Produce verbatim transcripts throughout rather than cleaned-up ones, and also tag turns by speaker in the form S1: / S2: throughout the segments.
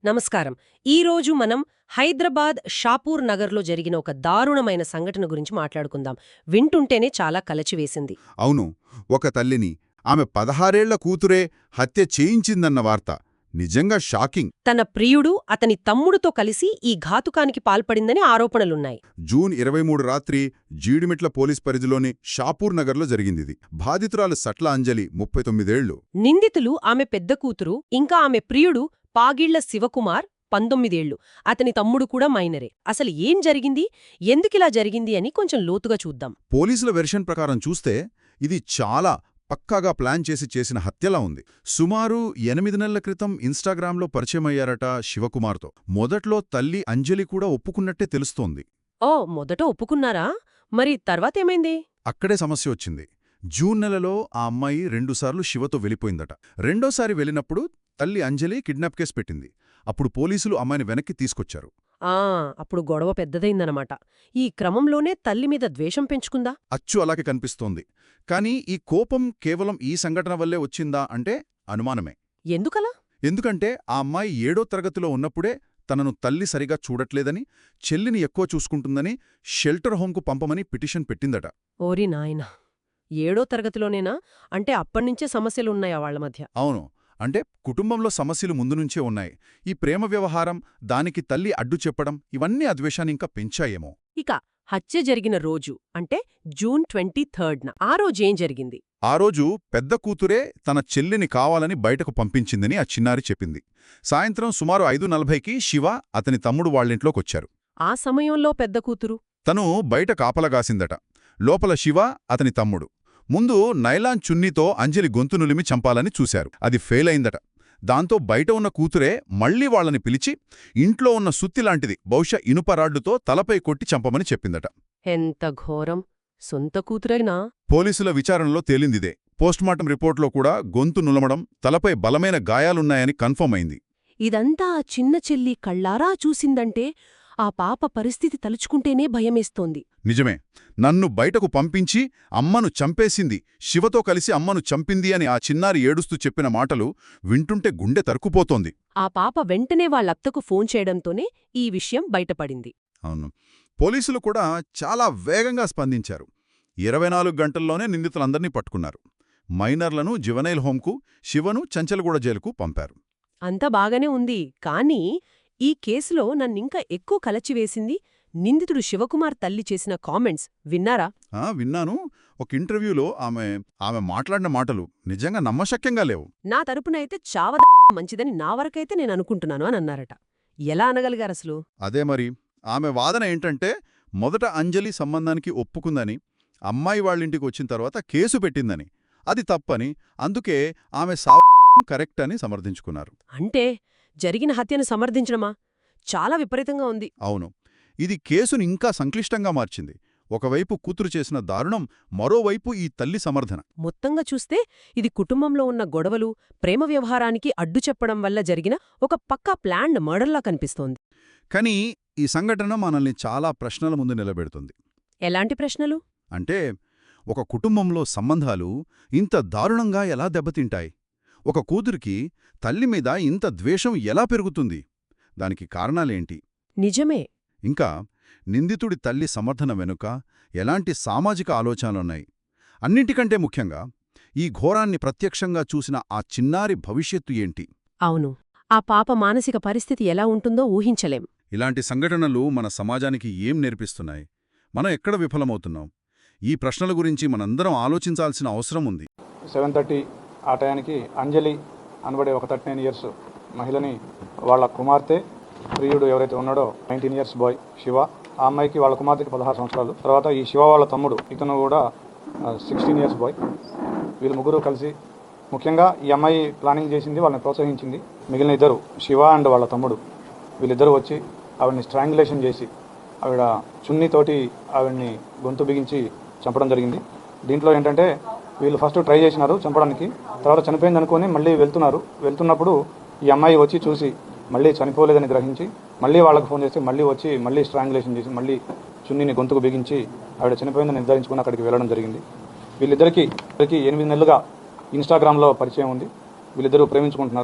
S1: నమస్కారం. ఈరోజు మనం హైదరాబాద్ షాపూర్ నగర్లో జరిగిన ఒక దారుణమైన సంఘటన గురించి మాట్లాడుకుందాం. వింటుంటేనే చాలా కలచివేసింది.
S2: అవును, ఒక తల్లిని ఆమె పదహారేళ్ల కూతురే హత్య చేయించిందన్న వార్త నిజంగా షాకింగ్.
S1: తన ప్రియుడు అతని తమ్ముడితో కలిసి ఈ ఘాతుకానికి పాల్పడిందని ఆరోపణలున్నాయి.
S2: జూన్ ఇరవై మూడు రాత్రి జీడిమిట్ల పోలీస్ పరిధిలోని షాపూర్ నగర్లో జరిగిందిది. బాధితురాలు సట్ల అంజలి, ముప్పై తొమ్మిదేళ్లు.
S1: నిందితులు ఆమె పెద్ద కూతురు, ఇంకా ఆమె ప్రియుడు పాగిళ్ల శివకుమార్, పంతొమ్మిదేళ్లు. అతని తమ్ముడు కూడా మైనరే. అసలు ఏం జరిగింది, ఎందుకిలా జరిగింది అని కొంచెం లోతుగా చూద్దాం.
S2: పోలీసుల వెర్షన్ ప్రకారం చూస్తే ఇది చాలా పక్కాగా ప్లాన్ చేసి చేసిన హత్యలా ఉంది. సుమారు ఎనిమిది నెలల క్రితం ఇన్స్టాగ్రామ్లో పరిచయమయ్యారట శివకుమార్తో. మొదట్లో తల్లి అంజలి కూడా ఒప్పుకున్నట్టే తెలుస్తోంది.
S1: ఓ, మొదట ఒప్పుకున్నారా? మరి తర్వాతేమైంది?
S2: అక్కడే సమస్య వచ్చింది. జూన్ నెలలో ఆ అమ్మాయి రెండుసార్లు శివతో వెళ్ళిపోయిందట. రెండోసారి వెళ్ళినప్పుడు తల్లి అంజలి కిడ్నాప్ కేసు పెట్టింది. అప్పుడు పోలీసులు అమ్మాయిని వెనక్కి తీసుకొచ్చారు.
S1: ఆ అప్పుడు గొడవ పెద్దదైందనమాట. ఈ క్రమంలోనే తల్లి మీద ద్వేషం పెంచుకుందా?
S2: అచ్చు అలాగే కనిపిస్తోంది. కానీ ఈ కోపం కేవలం ఈ సంఘటన వల్లే వచ్చిందా అంటే అనుమానమే.
S1: ఎందుకలా?
S2: ఎందుకంటే ఆ అమ్మాయి ఏడో తరగతిలో ఉన్నప్పుడే తనను తల్లి సరిగా చూడట్లేదని, చెల్లిని ఎక్కువ చూసుకుంటుందని షెల్టర్ హోంకు పంపమని పిటిషన్ పెట్టిందట.
S1: ఓరి నాయనా, ఏడో తరగతిలోనేనా? అంటే అప్పటినుంచే సమస్యలున్నాయా వాళ్ల మధ్య?
S2: అవును, అంటే కుటుంబంలో సమస్యలు ముందునుంచే ఉన్నాయి. ఈ ప్రేమ వ్యవహారం, దానికి తల్లి అడ్డు చెప్పడం, ఇవన్నీ ఆ ద్వేషాన్ని ఇంకా పెంచాయేమో.
S1: ఇక హత్య జరిగిన రోజు అంటే జూన్ ట్వంటీ థర్డ్న ఆ రోజేం జరిగింది?
S2: ఆ రోజు పెద్ద కూతురే తన చెల్లిని కావాలని బయటకు పంపించిందని ఆ చిన్నారి చెప్పింది. సాయంత్రం సుమారు ఐదు నలభైకి శివ అతని తమ్ముడు వాళ్ళింట్లోకొచ్చారు.
S1: ఆ సమయంలో పెద్ద కూతురు
S2: తను బయట కాపలగాసిందట. లోపల శివ, అతని తమ్ముడు. ముందు నైలాన్ చున్నీతో అంజలి గొంతు నులిమి చంపాలని చూశారు. అది ఫెయిల్ అయిందట. దాంతో బయట ఉన్న కూతురే మళ్లీ వాళ్ళని పిలిచి ఇంట్లో ఉన్న సుత్తిలాంటిది, బహుశా ఇనుపరాడ్డుతో తలపై కొట్టి చంపమని చెప్పిందట.
S1: ఎంత ఘోరం! సొంత కూతురైనా?
S2: పోలీసుల విచారణలో తేలిందిదే. పోస్టుమార్టం రిపోర్ట్లో కూడా గొంతు నులమడం, తలపై బలమైన గాయాలున్నాయని కన్ఫర్మ్ అయింది.
S1: ఇదంతా ఆ చిన్న చెల్లి కళ్ళారా చూసిందంటే ఆ పాప పరిస్థితి తలుచుకుంటేనే భయమేస్తోంది.
S2: నిజమే. నన్ను బయటకు పంపించి అమ్మను చంపేసింది, శివతో కలిసి అమ్మను చంపింది అని ఆ చిన్నారి ఏడుస్తూ చెప్పిన మాటలు వింటుంటే గుండె తరుక్కుపోతోంది.
S1: ఆ పాప వెంటనే వాళ్ళత్తకు ఫోన్ చేయడంతోనే ఈ విషయం బయటపడింది.
S2: అవును, పోలీసులు కూడా చాలా వేగంగా స్పందించారు. ఇరవై నాలుగు గంటల్లోనే నిందితులందర్నీ పట్టుకున్నారు. మైనర్లను జువెనైల్ హోంకు, శివను చంచల్గూడ జైలుకు పంపారు.
S1: అంతా బాగానే ఉంది, కానీ ఈ కేసులో నన్నింకా ఎక్కువ కలచివేసింది నిందితుడు శివకుమార్ తల్లి చేసిన కామెంట్స్. విన్నారా?
S2: ఆ విన్నాను. ఒక ఇంటర్వ్యూలో ఆమె ఆమె మాట్లాడిన మాటలు నిజంగా నమ్మశక్యంగా లేవు.
S1: నా తరపునైతే చావ మంచిదని నా వరకైతే నేను అనుకుంటున్నాను అని అన్నారట. ఎలా అనగలిగారసలు?
S2: అదే మరి. ఆమె వాదన ఏంటంటే, మొదట అంజలి సంబంధానికి ఒప్పుకుందని, అమ్మాయి వాళ్ళింటికి వచ్చిన తర్వాత కేసు పెట్టిందని, అది తప్పని, అందుకే ఆమె సావు కరెక్ట్ అని సమర్థించుకున్నారు.
S1: అంటే జరిగిన హత్యను సమర్థించడమా? చాలా విపరీతంగా ఉంది.
S2: అవును, ఇది కేసును ఇంకా సంక్లిష్టంగా మార్చింది. ఒకవైపు కూతురు చేసిన దారుణం, మరోవైపు ఈ తల్లి సమర్థన.
S1: మొత్తంగా చూస్తే ఇది కుటుంబంలో ఉన్న గొడవలు, ప్రేమ వ్యవహారానికి అడ్డు చెప్పడం వల్ల జరిగిన ఒక పక్కా ప్లాన్డ్ మర్డర్లా కనిపిస్తోంది.
S2: కానీ ఈ సంఘటన మనల్ని చాలా ప్రశ్నల ముందు నిలబెడుతుంది.
S1: ఎలాంటి ప్రశ్నలు?
S2: అంటే, ఒక కుటుంబంలో సంబంధాలు ఇంత దారుణంగా ఎలా దెబ్బతింటాయి? ఒక కూతురికి తల్లిమీద ఇంత ద్వేషం ఎలా పెరుగుతుంది? దానికి కారణాలేంటి?
S1: నిజమే.
S2: ఇంకా నిందితుడి తల్లి సమర్థన వెనుక ఎలాంటి సామాజిక ఆలోచనలున్నాయి? అన్నింటికంటే ముఖ్యంగా ఈ ఘోరాన్ని ప్రత్యక్షంగా చూసిన ఆ చిన్నారి భవిష్యత్తు ఏంటి?
S1: అవును, ఆ పాప మానసిక పరిస్థితి ఎలా ఉంటుందో ఊహించలేం.
S2: ఇలాంటి సంఘటనలు మన సమాజానికి ఏం నేర్పిస్తున్నాయి? మనం ఎక్కడ విఫలమవుతున్నాం? ఈ ప్రశ్నల గురించి మనందరం ఆలోచించాల్సిన అవసరం ఉంది.
S3: సెవెన్ థర్టీ ఆ టయానికి అంజలి అనబడే ఒక థర్టీ నైన్ ఇయర్స్ మహిళని వాళ్ళ కుమార్తె, ప్రియుడు ఎవరైతే ఉన్నాడో నైన్టీన్ ఇయర్స్ బాయ్ శివ, ఆ అమ్మాయికి వాళ్ళ కుమార్తెకి పదహారు సంవత్సరాలు. తర్వాత ఈ శివ వాళ్ళ తమ్ముడు, ఇతను కూడా సిక్స్టీన్ ఇయర్స్ బాయ్. వీళ్ళు ముగ్గురు కలిసి, ముఖ్యంగా ఈ అమ్మాయి ప్లానింగ్ చేసింది, వాళ్ళని ప్రోత్సహించింది. మిగిలిన ఇద్దరు, శివ అండ్ వాళ్ళ తమ్ముడు, వీళ్ళిద్దరూ వచ్చి ఆవిడ్ని స్ట్రాంగులేషన్ చేసి ఆవిడ చున్నీతోటి ఆవిడ్ని గొంతు బిగించి చంపడం జరిగింది. దీంట్లో ఏంటంటే, వీళ్ళు ఫస్ట్ ట్రై చేసినారు చంపడానికి, తర్వాత చనిపోయింది అనుకుని మళ్ళీ వెళ్తున్నారు. వెళ్తున్నప్పుడు ఈ అమ్మాయి వచ్చి చూసి మళ్ళీ చనిపోలేదని గ్రహించి మళ్ళీ వాళ్ళకు ఫోన్ చేసి మళ్ళీ వచ్చి మళ్ళీ స్ట్రాంగులేషన్ చేసి మళ్ళీ చున్నీని గొంతుకు బిగించి ఆవిడ చనిపోయిందని నిర్ధారించుకుని అక్కడికి వెళ్ళడం జరిగింది. వీళ్ళిద్దరికీ ఇద్దరికి ఎనిమిది నెలలుగా ఇన్స్టాగ్రామ్లో పరిచయం ఉంది. వీళ్ళిద్దరూ ప్రేమించుకుంటున్నారు.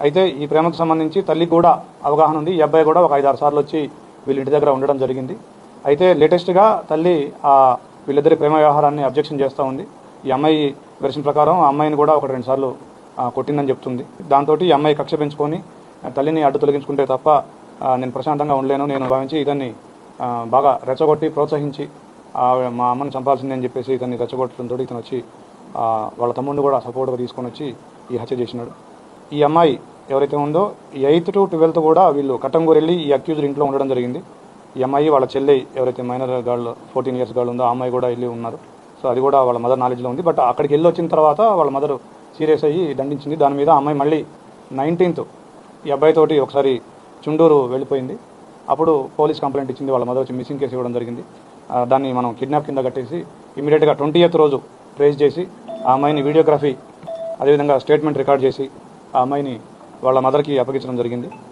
S3: అయితే ఈ ప్రేమకు సంబంధించి తల్లికి కూడా అవగాహన ఉంది. ఈ అబ్బాయి కూడా ఒక ఐదు ఆరు సార్లు వచ్చి వీళ్ళ ఇంటి దగ్గర ఉండడం జరిగింది. అయితే లేటెస్ట్గా తల్లి ఆ వీళ్ళిద్దరి ప్రేమ వ్యవహారాన్ని అబ్జెక్షన్ చేస్తూ ఉంది. ఈ అమ్మాయి వెర్షన్ ప్రకారం ఆ అమ్మాయిని కూడా ఒక రెండు సార్లు కొట్టిందని చెప్తుంది. దాంతో ఈ అమ్మాయి కక్ష పెంచుకొని తల్లిని అడ్డు తొలగించుకుంటే తప్ప నేను ప్రశాంతంగా ఉండలేను, నేను భావించి ఇతన్ని బాగా రెచ్చగొట్టి ప్రోత్సహించి మా అమ్మని చంపాల్సిందే అని చెప్పేసి ఇతన్ని రెచ్చగొట్టడంతో ఇతను వచ్చి వాళ్ళ తమ్ముడిని కూడా సపోర్ట్గా తీసుకొని వచ్చి ఈ హత్య చేసినాడు. ఈ అమ్మాయి ఎవరైతే ఉందో ఎయిత్ టు ట్వెల్త్ కూడా వీళ్ళు కట్టంగూరు వెళ్ళి ఈ అక్యూజ్డ్ ఇంట్లో ఉండడం జరిగింది. ఈ అమ్మాయి వాళ్ళ చెల్లి ఎవరైతే minor girl fourteen years girl ఉందో ఆ అమ్మాయి కూడా వెళ్ళి ఉన్నారు. సో అది కూడా వాళ్ళ మదర్ నాలెడ్జ్లో ఉంది. బట్ అక్కడికి వెళ్ళి వచ్చిన తర్వాత వాళ్ళ మదర్ సీరియస్ అయ్యి దండించింది. దాని మీద అమ్మాయి మళ్ళీ నైన్టీన్త్ ఈ అబ్బాయితోటి ఒకసారి చుండూరు వెళ్ళిపోయింది. అప్పుడు పోలీస్ కంప్లైంట్ ఇచ్చింది. వాళ్ళ మదర్ వచ్చి మిస్సింగ్ కేసు ఇవ్వడం జరిగింది. దాన్ని మనం కిడ్నాప్ కింద కట్టేసి ఇమీడియట్గా ట్వంటీ ఎయిత్ రోజు ట్రేస్ చేసి ఆ అమ్మాయిని వీడియోగ్రఫీ అదేవిధంగా స్టేట్మెంట్ రికార్డ్ చేసి ఆ అమ్మాయిని వాళ్ళ మదర్కి అప్పగించడం జరిగింది.